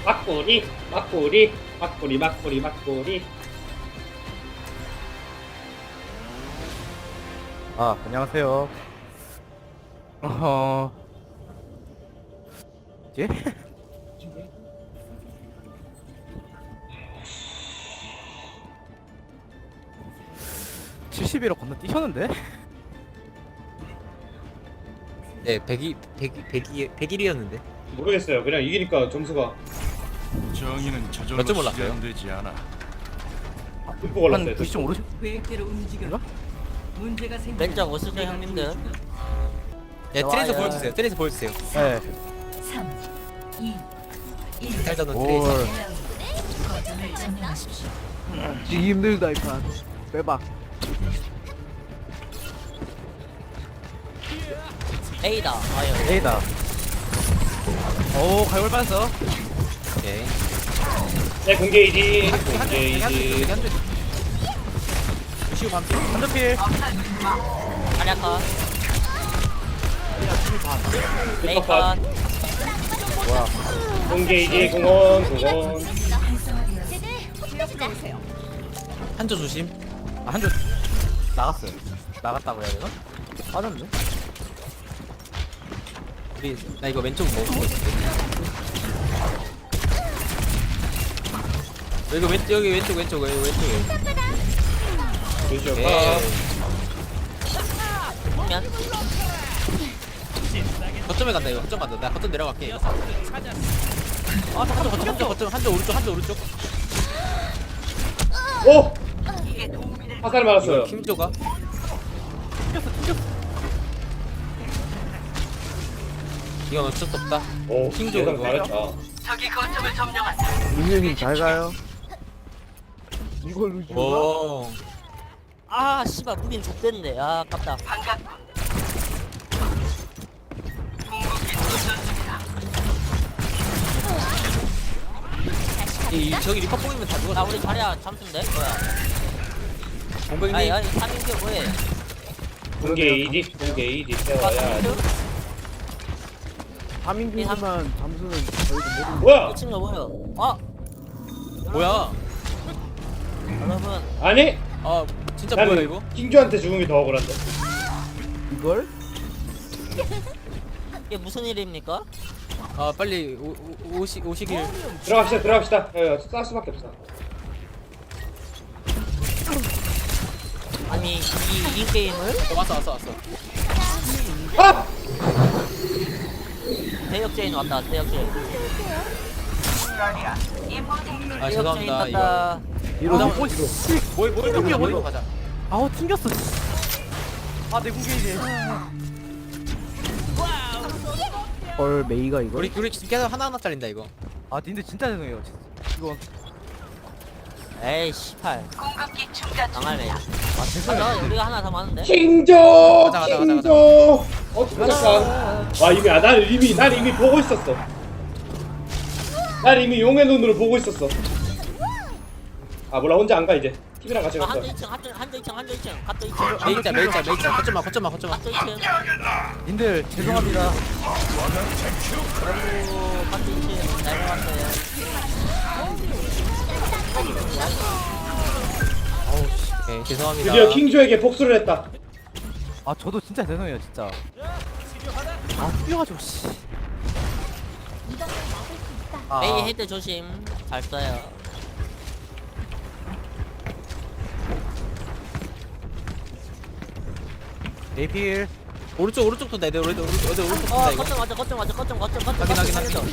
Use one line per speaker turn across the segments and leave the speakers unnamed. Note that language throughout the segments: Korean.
막고리 막고리 막고리 막고리 막고리.
아, 안녕하세요. 예? 70이로 건너뛰셨는데?
네, 100일이었는데.
모르겠어요. 그냥 이기니까 점수가
정의는 저절로
몇점 올랐어요?
실현되지 않아.
듬뿍 올랐어요.
한 90점 오르죠?
계획대로 움직여. 문제가 생기면
왼쪽 오시죠 형님들.
네, 트레이서
좋아요.
보여주세요. 트레이서 보여주세요.
네.
3, 2, 1.
잘 잡는
올.
트레이서.
거점을 점령하십시오.
지기 힘들다, 이 판. 빼봐.
A다. 아유.
A다. 오, 가열 빠졌어.
오케이.
네 공개이지.
여기
공개이지.
한줄. 루시우 반피.
한조필.
아리아카.
컷.
레이컨.
뭐야.
공개이지. 공원.
한조 조심.
아, 한조 나갔어요. 나갔다고 해야 되나? 빠졌네.
우리 나 이거 왼쪽 먹고 있을게. 여기 왼쪽.
그렇죠.
오케이.
보면
거점에 간다 이거. 거점 간다. 나 거점 내려갈게. 아, 거점 한조 오른쪽.
오. 화살 맞았어요.
이거 킴조가. 이건 어쩔 수 없다.
오.
킹조
예상
이거.
잘했다.
민영님 잘 가요. 이걸 루시.
오.
아 씨발 무긴 족됐네. 아 아깝다.
저기 리퍼 보이면 다
나
죽었어.
우리 자리야 잠수인데 뭐야?
공백님.
아니 아니 3인큐 뭐해?
공개이지. 공개이지. 세워야.
3인 중지만 잠수는 저희도 모르는.
뭐야?
미친 거 뭐야? 아
뭐야?
여러분
아니?
아 진짜 뭐야
나는
이거?
킹주한테 죽은 게 더 억울한데.
이걸?
이게 무슨 일입니까?
아 빨리 오시길.
들어갑시다. 쌀 수밖에 없어.
아니 이 게임을
왔어.
아!
대역죄인 왔다. 대역죄인.
아
대역죄인
죄송합니다 이거.
갔다.
이러다
뭘 가자.
아우 튕겼어. 아, 내 궁계이지. 헐, 메이가 이거?
우리 계속 하나 잘린다 이거.
아, 근데 진짜 죄송해요. 이거.
에이 씨발. 당할매.
아, 죄송해요.
맞아 우리가 하나 더 많은데.
킹조.
가자.
킹조. 어떡할까? 와 이미 난 이미 보고 있었어. 난 이미 용의 눈으로 보고 있었어. 아 몰라 혼자 안 가 이제. TV랑 같이 갔어.
한조 2층 한조 2층 갓도 2층
메이자. 거점만.
갓도 2층
님들, 죄송합니다.
아이고 갓도 2층 잘 나왔어요.
오케이 죄송합니다.
드디어 킹조에게 복수를 했다.
아, 저도 진짜 죄송해요, 진짜. 아, 풀려가지고, 씨. 아,
메이 헤드 조심 잘 써요.
네필.
오른쪽도 내려. 오른쪽
어
이거.
거점 맞아.
확인.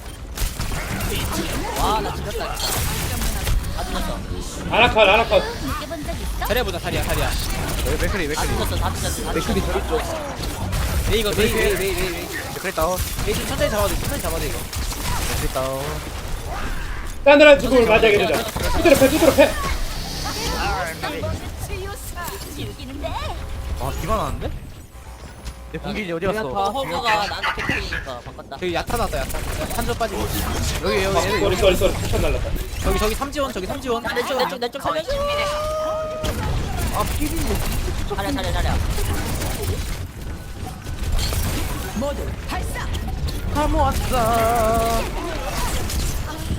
와나 죽였다 진짜. 다 죽였어.
아라컷.
자리야.
맥크리.
다 죽였어.
맥크리 저리 쪽.
메이
맥크리 다운.
메이 좀 천천히 잡아도 이거.
맥크리 다운.
싸늘한 죽음을 맞이하게 되자. 두드려 패.
아, 기가 나는데? 내 공기지 어디
다
갔어?
허브가 나한테 캐릭이니까 바꿨다.
저기 야타 나왔다. 한점 빠지고. 여기
쏘리. 추천 날랐다.
저기 삼지원.
내쪽 살려줘.
아, 피디인데.
차려.
다 모았어.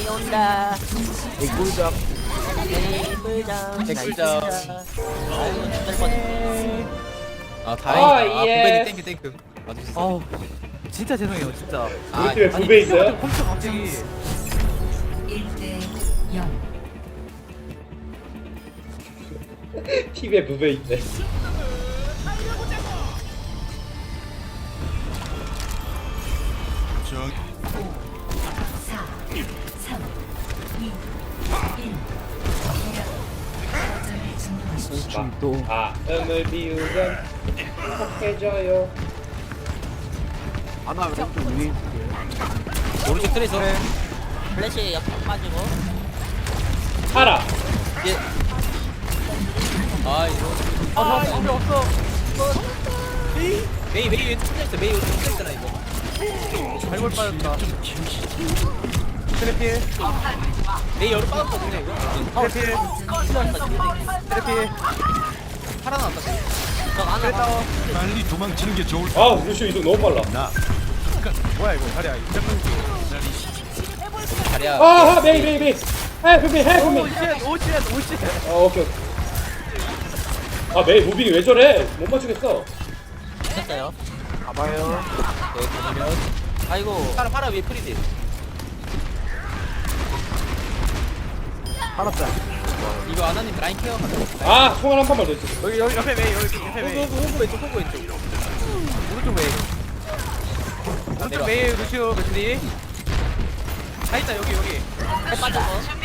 메이 온다.
꿀잡.
메이 꿀장.
개꿀장.
아이고 죽을 뻔했네.
아 다행이다. 아
예.
부배님 땡큐. 맞으셨어.
아우 진짜 죄송해요 진짜.
우리 팀에 부배 있어요?
컴퓨터 갑자기
1대 0.
팀에 부배 있대.
4
4, 3, 2, 1. 거점을 점령하십시오.
또
마음을 비우면 행복해져요.
아나 왼쪽 위에 있을게요.
오른쪽 트레이서.
플래시 옆에 빠지고.
파라.
예. 아 이거.
아 방금 없어.
메이 왼쪽 혼자 있어. 메이 왼쪽 혼자 있잖아 이거.
발골 빠졌다. 트래필
메이 열을 빠졌거든요 이거.
트래필 트래필
팔아 나왔다.
저 안에
트래타워.
빨리 도망치는 게 좋을
아 루시오 이동 너무 빨라.
나
뭐야 이거 자리야.
자리야.
아 메이. 헬프 미.
오쉣.
아 오케이. 아 메이 무빙이 왜 저래? 못 맞추겠어.
됐어요.
가봐요.
네 그러면
아이고.
팔아 위에 프리딜.
알았다.
이거 아나님 라인 케어 가자.
아 총알 한 번만 더 있어.
여기 옆에 메이 여기 옆에 메이.
호구 왼쪽 호구 왼쪽.
오른쪽 메이. 오른쪽 메이 루시오 맥리. 다 있다 여기.
해 빠졌어.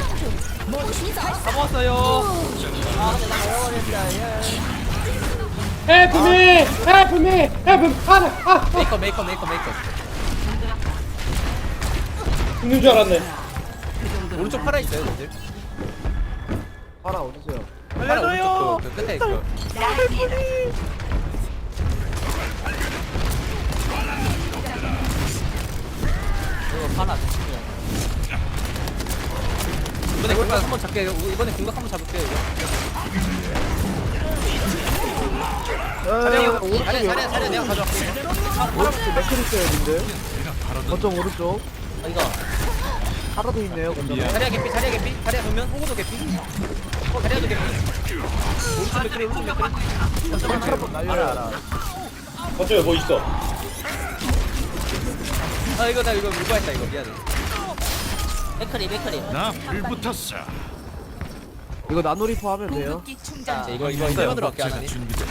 다 모았어요.
아 근데 나 외워버렸다. 예.
헬프 미. 파라.
메이커.
죽는 줄 알았네.
오른쪽 팔아 있어요 다들.
파라 어디서요?
팔아 오른쪽 그 끝에 있어.
이거 파라.
이번에 공각 한번 잡게요. 이번에 공각 한번 잡을게요 이거. 자리야 내가 가져갈게.
오른쪽 맥크리 있어요 근데. 거점 오른쪽.
아, 이거.
파라도 있네요 거점.
자리야 개피. 자리야 보면 호구도 개피. 자리야도 개피. 오른쪽 맥크리.
거점 날려라.
어쩌면 뭐 있어.
아 이거 나 이거 물과했다 이거 미안해.
맥크리.
나 불붙었어.
이거 나노리퍼 하면 돼요.
궁극기 충전.
이거 세번 들어갈게
제가
아나님.
준비돼.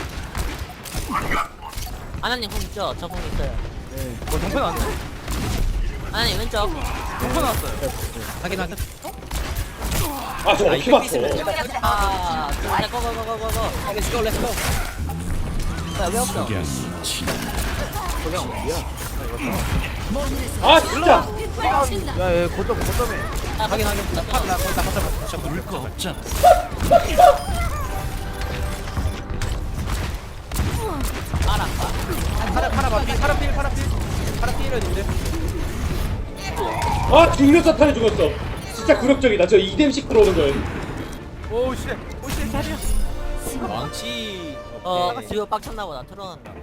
아나님 공 있죠? 저 공 있어요.
네. 정패 나왔네.
아나님 왼쪽.
정패 나왔어요.
확인.
아 저거 어떻게 맞춰?
아, 고고고고고고.
렛츠고.
왜 없어?
그냥 어디야?
아 진짜.
야얘 거점에.
확인. 나 거기다 갖다 봐.
물거 없잖아.
파라 필이었는데.
아 중력 사탄에 죽었어. 진짜 굴욕적이다. 저 2뎀씩 들어오는 거예요.
오쉣 자리야.
망치.
지금 빡쳤나 보다. 틀어놨나.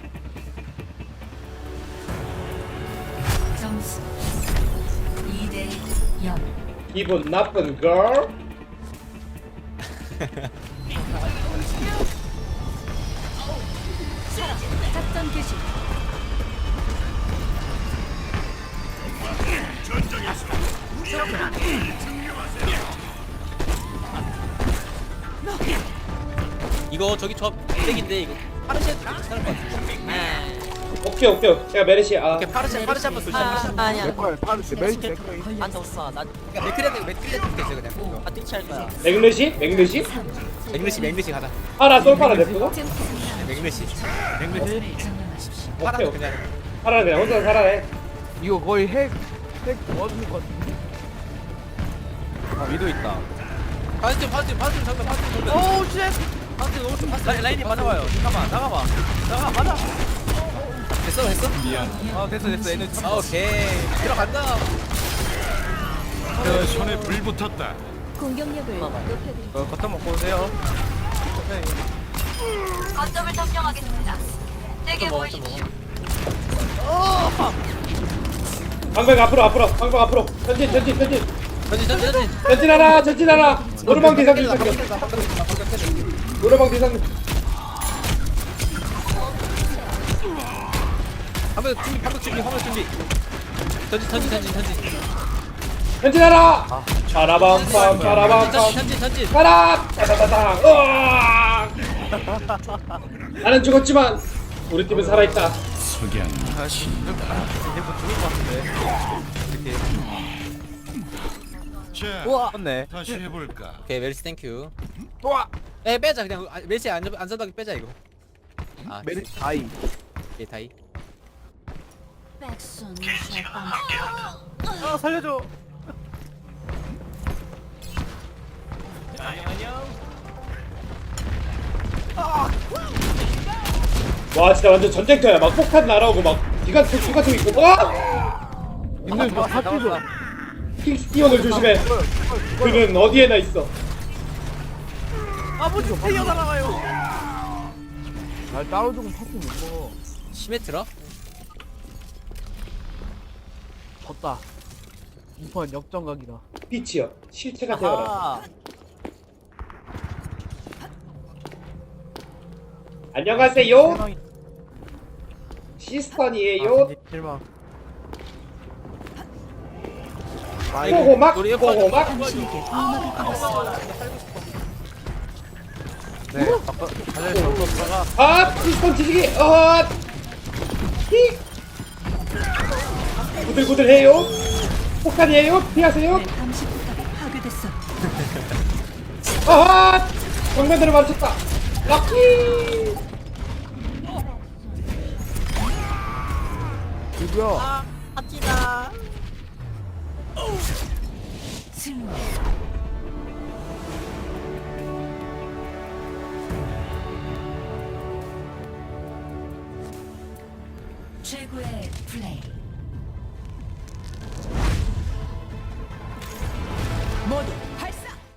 점수 2대 0.
기분 나쁜 걸.
작전 개시.
이거 저기 저 백인데 이거 파르시에도 괜찮을 것 같은데.
네.
오케이. 제가 메르시 아.
오케이 파르시 한번 조심.
아니야.
맥컬 파르스 메이스 맥컬.
안 줬어. 나
맥크리한테 있어 그냥.
아, 뜰치할 거야.
맥르시
맥르시 가자.
파라 솔파라 냅두고.
맥르시.
거점을 점령하십시오.
파라도 그냥.
파라는 그냥 혼자 살아해.
이거 거의 핵 도와주는 것 같은데. 아 위도 있다.
파스 정면.
오쉣. 라인이 맞아봐요. 잠깐만 나가봐. 맞아.
됐어.
미안.
아 됐어 얘는 참.
오케이. 들어간다.
내 손에 불 붙었다.
공격력을 높여드립니다.
겉다 먹고 오세요.
거점을 점령하겠습니다. 내게 보이십시오.
방벽 앞으로 방벽 앞으로 전진
전진.
전진하라 노르방 대상님 생겨 노르방 대상님
방벽 준비. 전진.
전진하라 빠라밤빰
전진.
가라 따다다당 으아 나는 죽었지만 우리 팀은 살아있다
석양 다시
이제부터 죽을 것 같은데. 이렇게.
자
우와.
맞네.
다시 해볼까.
오케이 멜시 땡큐.
우와.
빼자 그냥 멜시 안전하게 빼자 이거. 아
메리 아이.
예 다이.
백순
아 살려줘.
와 진짜 완전 전쟁터야 막 폭탄 날아오고 막 기관총 있고 와
님들 저 사투죠.
킹스티온을 조심해 그는 어디에나 있어
아버지 태어 날아가요. 날 따로 죽으면 파티 못 먹어.
시메트라?
졌다. 이판 역전각이다.
빛이여 실체가 되어라
아.
안녕하세요
실망이.
시스턴이에요
실망.
호호막
우리
호호막
당신에게 보호막을 걸었어.
네. 아까 자리에서 들어가.
아 시스턴 뒤지기 히 구들구들해요 폭탄이에요 피하세요
내 감시 포탑이 파괴됐어.
아하 정면대로 맞췄다 럭키
누구야?
승리. 최고의 플레이. 모두